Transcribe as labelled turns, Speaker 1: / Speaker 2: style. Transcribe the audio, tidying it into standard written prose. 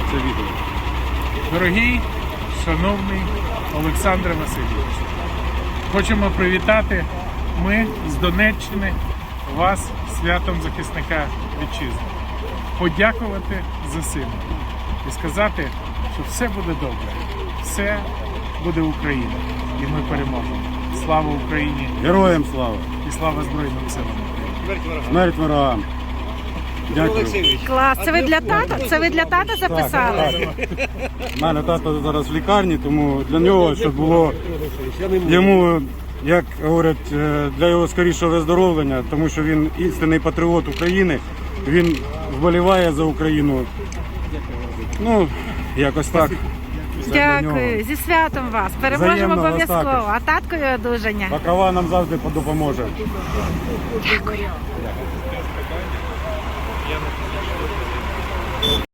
Speaker 1: це відео.
Speaker 2: Дорогий, шановний Олександре Васильовичу, хочемо привітати ми з Донеччини вас з святом захисника вітчизни. Подякувати за сина і сказати, що все буде добре, все буде Україна і ми переможемо. Слава Україні!
Speaker 1: Героям слава!
Speaker 2: І слава Збройним силам України!
Speaker 1: Смерть ворогам! Дякую.
Speaker 3: Клас, це ви для тата? Це ви для тата записали?
Speaker 1: У мене тато зараз в лікарні, тому для нього, щоб було йому, як говорять, для його скорішого виздоровлення, тому що він істинний патріот України, він вболіває за Україну. Ну, якось так. Це для нього.
Speaker 3: Дякую, зі святом вас. Переможемо
Speaker 1: Взаємно,
Speaker 3: обов'язково.
Speaker 1: Остапе.
Speaker 3: А таткові одужання.
Speaker 1: Покрова нам завжди допоможе.
Speaker 3: Дякую.